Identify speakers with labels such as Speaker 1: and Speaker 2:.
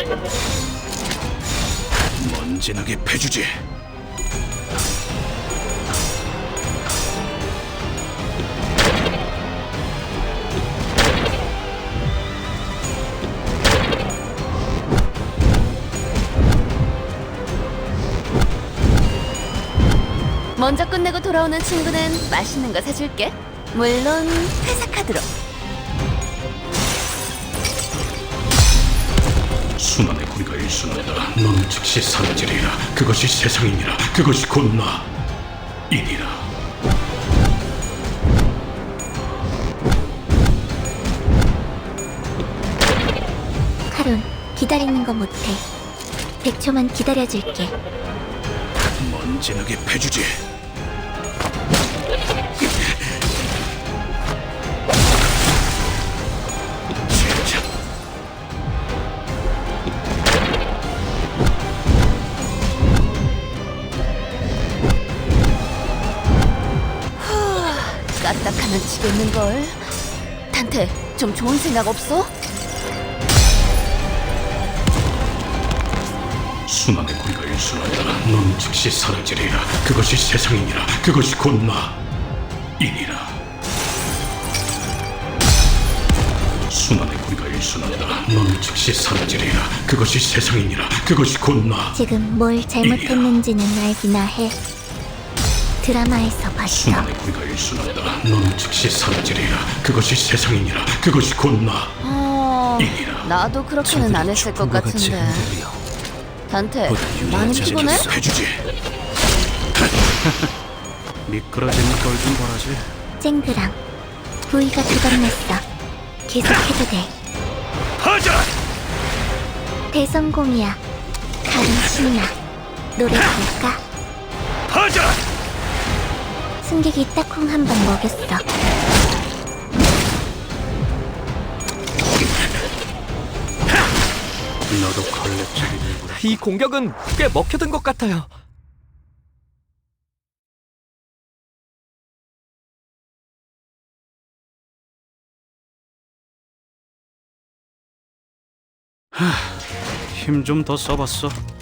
Speaker 1: 먼지나게 패주지.
Speaker 2: 먼저 끝내고 돌아오는 친구는 맛있는 거 사줄게. 물론 회사 카드로.
Speaker 1: 순환의 고리가 일순하다. 너는 즉시 사라지리라. 그것이 세상이니라. 그것이 곧 나이니라.
Speaker 3: 카론, 기다리는 거 못해. 100초만 기다려줄게.
Speaker 1: 먼지나게 패주지. 진짜
Speaker 2: 까딱하면 지겠는걸. 단테, 좀 좋은 생각 없어?
Speaker 1: 순환의 고리가 일순하다. 너는 즉시 사라지리라. 그것이 세상이니라. 그것이 곧 나이니라. 순환의 고리가 일순하다. 너는 즉시 사라지리라. 그것이 세상이니라. 그것이 곧
Speaker 3: 지금 뭘 잘못했는지는 알기나 해. 드라마에서 봤어.
Speaker 1: 순환의 고리가 일순하다. 너는 즉시 사라지리라. 그것이 세상이니라. 그것이 곧 나이니라.
Speaker 2: 나도 그렇게는 안 했을 것 같은데. 단테, 많이 피곤해?
Speaker 1: 해주지. 미끄러지는 걸 좀 보라지.
Speaker 3: 쨍그랑 부위가 두껍냈어. 계속해도 돼.
Speaker 1: 하자.
Speaker 3: 대성공이야. 가른 신나. 노래 부를까?
Speaker 1: 하자.
Speaker 3: 승객이 딱콩 한 번 먹였어.
Speaker 1: 너도 걸레질이 되고.
Speaker 4: 이 공격은 꽤 먹혀든 것 같아요.
Speaker 1: 힘 좀 더 써봤어.